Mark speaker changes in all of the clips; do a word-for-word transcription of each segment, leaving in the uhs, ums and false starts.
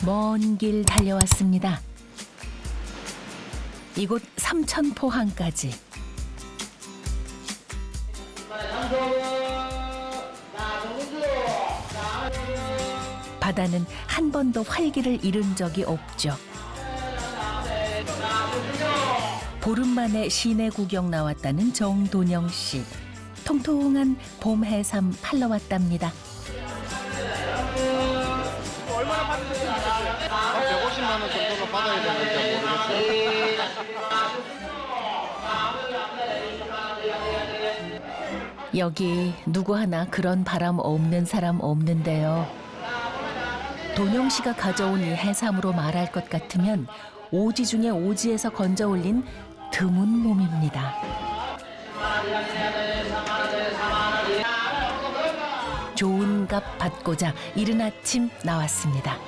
Speaker 1: 먼 길 달려왔습니다. 이곳 삼천포항까지. 바다는 한 번도 활기를 잃은 적이 없죠. 보름 만에 시내 구경 나왔다는 정돈영 씨. 통통한 봄 해삼 팔러 왔답니다.
Speaker 2: 얼마나 받으셨으면 좋겠어요?
Speaker 3: 한 백오십만 원 정도는 받아야 되는지 모르겠어요.
Speaker 1: 여기 누구 하나 그런 바람 없는 사람 없는데요. 돈영 씨가 가져온 이 해삼으로 말할 것 같으면 오지 중에 오지에서 건져 올린 드문 몸입니다. 좋은 값 받고자 이른 아침 나왔습니다.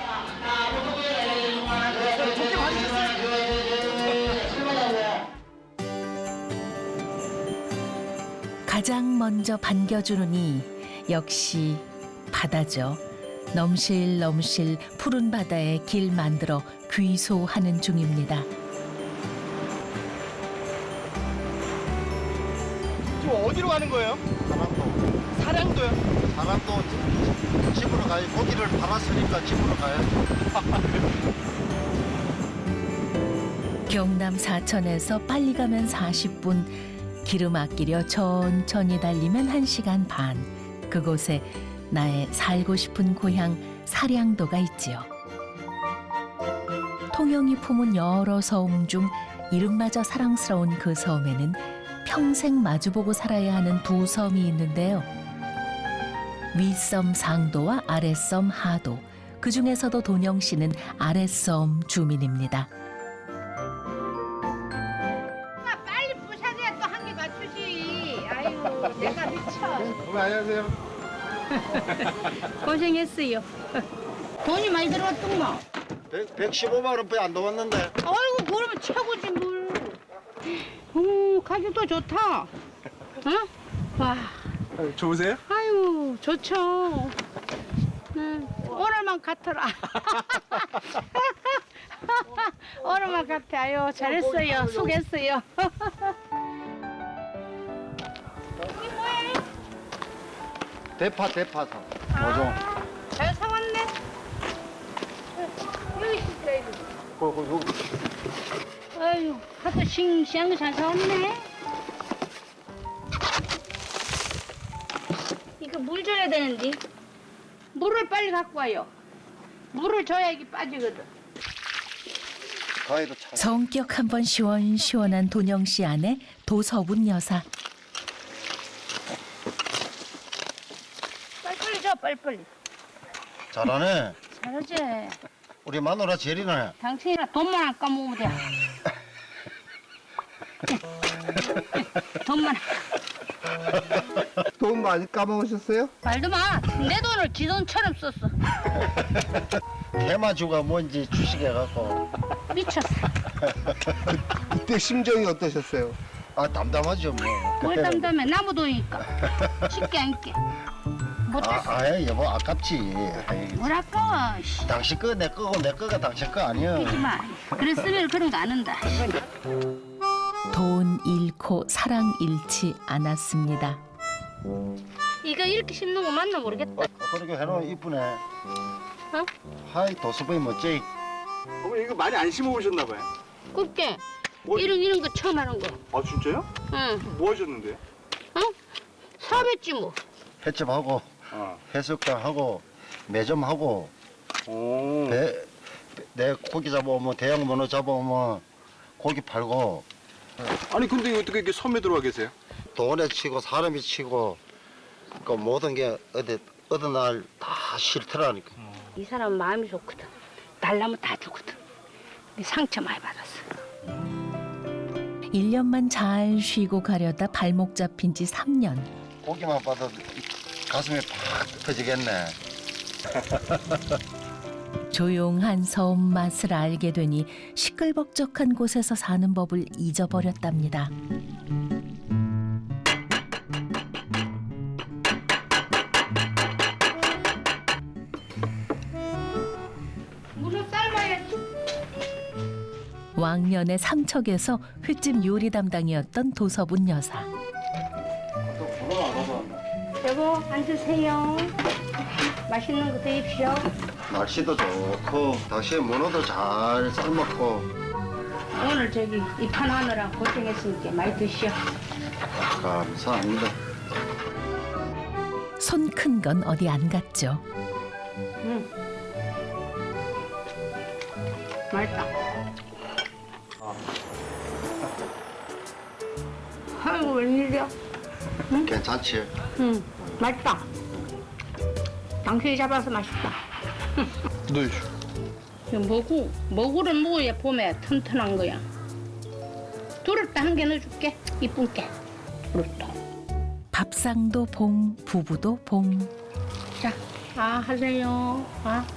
Speaker 1: 가장 먼저 반겨주는 이 역시 바다죠. 넘실넘실 푸른 바다에 길 만들어 귀소하는 중입니다.
Speaker 2: 지금 어디로 가는 거예요?
Speaker 3: 사람도
Speaker 2: 사랑도요?
Speaker 3: 사람도 집으로 가요. 고기를 팔았으니까 집으로 가야죠.
Speaker 1: 경남 사천에서 빨리 가면 사십 분, 기름 아끼려 천천히 달리면 한 시간 반. 그곳에 나의 살고 싶은 고향 사량도가 있지요. 통영이 품은 여러 섬 중 이름마저 사랑스러운 그 섬에는 평생 마주보고 살아야 하는 두 섬이 있는데요. 윗섬 상도와 아랫섬 하도. 그 중에서도 돈영 씨는 아랫섬 주민입니다.
Speaker 4: 빨리 부셔야 또 한 개 맞추지. 아이고 내가 미쳐.
Speaker 2: 어머니 안녕하세요.
Speaker 4: 고생했어요. 돈이 많이 들어왔더만.
Speaker 3: 백십오만 원밖에 안 나왔는데.
Speaker 4: 아이고 그러면 최고지 뭘. 음 가격도 좋다. 응? 와.
Speaker 2: 좋으세요?
Speaker 4: 아유 좋죠. 응. 오늘만 같아라. 오늘만 같아. 아유 잘했어요. 수고했어요. 여기 뭐해?
Speaker 3: 대파 대파 사.
Speaker 4: 아, 잘 사왔네. 여기 있어야지.
Speaker 2: 거, 거, 거.
Speaker 4: 아유, 하도 싱싱한 거 잘 사왔네. 이거 물 줘야 되는데. 물을 빨리 갖고 와요. 물을 줘야 이게 빠지거든.
Speaker 3: 가위도 차.
Speaker 1: 성격 한번 시원시원한 돈영 씨 아내 도서분 여사.
Speaker 4: 빨리빨리 줘, 빨리빨리.
Speaker 3: 잘하네.
Speaker 4: 잘하지.
Speaker 3: 우리 마누라 제리네.
Speaker 4: 당신이랑 돈만 안 까먹으면 돼. 돈만.
Speaker 2: 돈 많이 까먹으셨어요?
Speaker 4: 말도 마. 내 돈을 지 돈처럼 썼어.
Speaker 3: 대마주가 뭔지 주식해갖고.
Speaker 4: 미쳤어.
Speaker 2: 그때 심정이 어떠셨어요?
Speaker 3: 아 담담하죠 뭐.
Speaker 4: 뭘 담담해. 나무 돈이니까. 쉽게 안 깨. 못했어.
Speaker 3: 아, 아예 여보 아깝지. 아이,
Speaker 4: 뭘 아까워. 씨.
Speaker 3: 당신 거 내 거고 내 거가 당신 거 아니야.
Speaker 4: 하지 마. 그랬으면 그런 거 안 한다.
Speaker 1: 돈 잃고 사랑 잃지 않았습니다.
Speaker 4: 이거 이렇게 심는 거 맞나 모르겠다.
Speaker 3: 어, 그렇게 해놓으면 이쁘네.
Speaker 4: 어?
Speaker 3: 하이 도수부이 멋쟁이.
Speaker 2: 어머니 이거 많이 안 심어보셨나 봐요.
Speaker 4: 굽게.
Speaker 2: 뭐?
Speaker 4: 이런 이런 거 처음 하는 거.
Speaker 2: 아 진짜요?
Speaker 4: 응.
Speaker 2: 뭐 하셨는데요?
Speaker 4: 어? 사업했지 뭐.
Speaker 3: 횟집하고
Speaker 2: 아.
Speaker 3: 해수욕장하고 매점하고
Speaker 2: 오.
Speaker 3: 배, 내 고기 잡아오면 대형 문어 잡아오면 고기 팔고
Speaker 2: 아니 근데 이거 어떻게 이렇게 섬에 들어와 계세요?
Speaker 3: 돈에 치고 사람이 치고 그 모든 게 어디 어느 날 다 싫더라니까.
Speaker 4: 이 사람은 마음이 좋거든. 달라면 다 주거든. 상처 많이 받았어.
Speaker 1: 일 년만 잘 쉬고 가려다 발목 잡힌 지 삼 년.
Speaker 3: 고기만 봐도 가슴이 팍 터지겠네.
Speaker 1: 조용한 섬 맛을 알게 되니 시끌벅적한 곳에서 사는 법을 잊어버렸답니다. 왕년에 삼척에서 횟집 요리 담당이었던 도서분 여사.
Speaker 4: 여보 앉으세요. 맛있는 거 드십시오.
Speaker 3: 날씨도 좋고 당시에 문어도 잘 삶았고.
Speaker 4: 오늘 저기 입판하느라 고생했으니까 많이 드시오.
Speaker 3: 감사합니다.
Speaker 1: 손 큰 건 어디 안 갔죠.
Speaker 4: 응. 맛있다. 아이고 웬일이야?
Speaker 3: 괜찮지?
Speaker 4: 응, 맛있다. 당신이 잡아서 맛있다.
Speaker 2: 네.
Speaker 4: 이거 먹고, 먹으를 먹어야 봄에 튼튼한 거야. 두릅도 한 개 넣어줄게. 이쁜 게. 두릅도.
Speaker 1: 밥상도 봉, 부부도 봉.
Speaker 4: 자, 아 하세요. 아.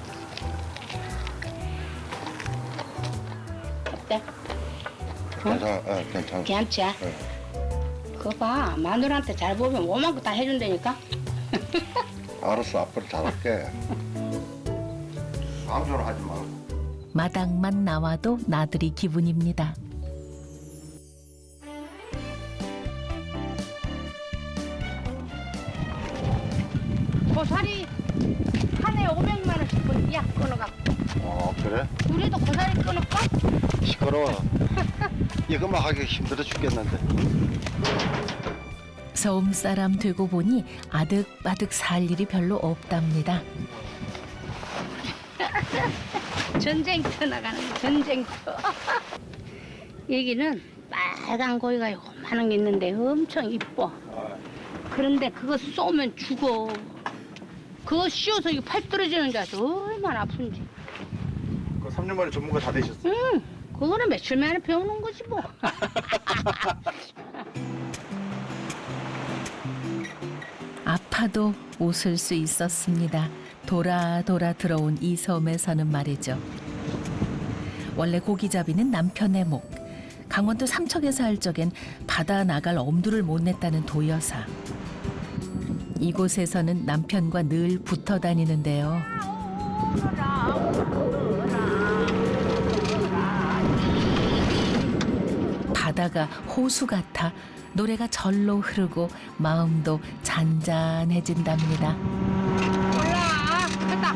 Speaker 4: 어때?
Speaker 3: 괜찮아, 어, 괜찮아.
Speaker 4: 괜찮지?
Speaker 3: 네.
Speaker 4: 그거 봐. 마누라한테 잘 보면 오만큼 다 해준다니까.
Speaker 3: 알았어, 앞으로 잘할게. 강조를 하지 말고.
Speaker 1: 마당만 나와도 나들이 기분입니다.
Speaker 4: 고사리 한 해 오백만 원씩 벌이야 끊어갖고.
Speaker 3: 어, 그래?
Speaker 4: 우리도 고사리 끊을까?
Speaker 3: 시끄러워. 이것만 하기 힘들어 죽겠는데.
Speaker 1: 서움 사람 되고 보니 아득바득 살 일이 별로 없답니다.
Speaker 4: 전쟁터 나가는 거, 전쟁터. 여기는 빨간 고기가 요만한 게 있는데 엄청 이뻐. 그런데 그거 쏘면 죽어. 그거 씌워서 이팔 떨어지는 줄 알아서 얼마나 아픈지.
Speaker 2: 그 삼 년 만에 전문가 다 되셨어요?
Speaker 4: 응, 그거는 며칠 만에 배우는 거지 뭐.
Speaker 1: 아파도 웃을 수 있었습니다. 돌아 돌아 들어온 이 섬에서는 말이죠. 원래 고기잡이는 남편의 목. 강원도 삼척에서 할 적엔 바다 나갈 엄두를 못 냈다는 도여사. 이곳에서는 남편과 늘 붙어 다니는데요. 바다가 호수 같아 노래가 절로 흐르고 마음도 잔잔해진답니다.
Speaker 4: 올라, 크다.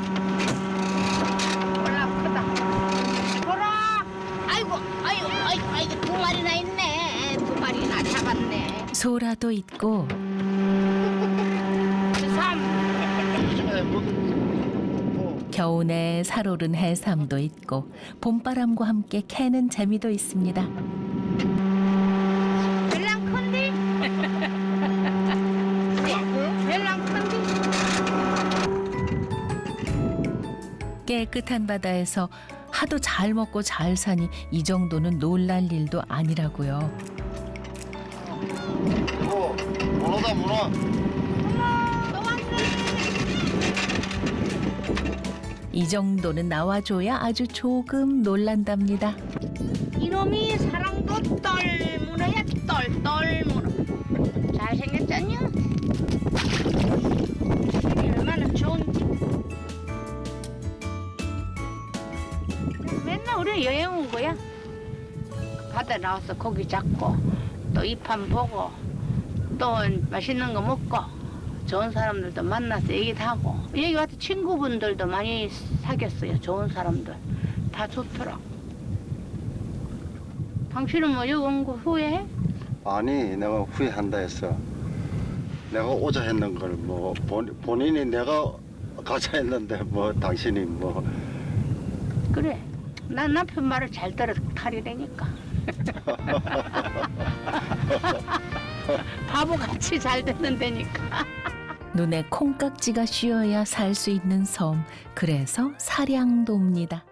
Speaker 4: 올라, 크다. 보라. 아이고, 아이고, 아이고, 아이고, 두 마리나 있네. 두 마리나 잡았네.
Speaker 1: 소라도 있고
Speaker 4: 삼.
Speaker 1: 겨우내 살오른 해삼도 있고 봄바람과 함께 캐는 재미도 있습니다.
Speaker 4: 별랑 큰디? 별랑 큰디?
Speaker 1: 깨끗한 바다에서 하도 잘 먹고 잘 사니 이 정도는 놀랄 일도 아니라고요.
Speaker 3: 어, 문어다, 문어.
Speaker 1: 이 정도는 나와줘야 아주 조금 놀란답니다.
Speaker 4: 이놈이 사랑도 똘문어야, 똘똘문어. 잘생겼잖냐? 얼마나 좋은지. 맨날 우리 여행 온 거야. 바다 나와서 고기 잡고 또 입한 보고 또 맛있는 거 먹고 좋은 사람들도 만나서 얘기도 하고 여기 와서 친구분들도 많이 사귀었어요. 좋은 사람들 다 좋더라. 당신은 뭐 여기 온 거 후회해?
Speaker 3: 아니, 내가 후회한다 했어. 내가 오자 했는 걸 뭐 본인이 내가 가자 했는데 뭐 당신이 뭐.
Speaker 4: 그래. 난 남편 말을 잘 들어 탈이라니까. 바보같이 잘 듣는다니까.
Speaker 1: 눈에 콩깍지가 씌어야 살 수 있는 섬. 그래서 사량도입니다.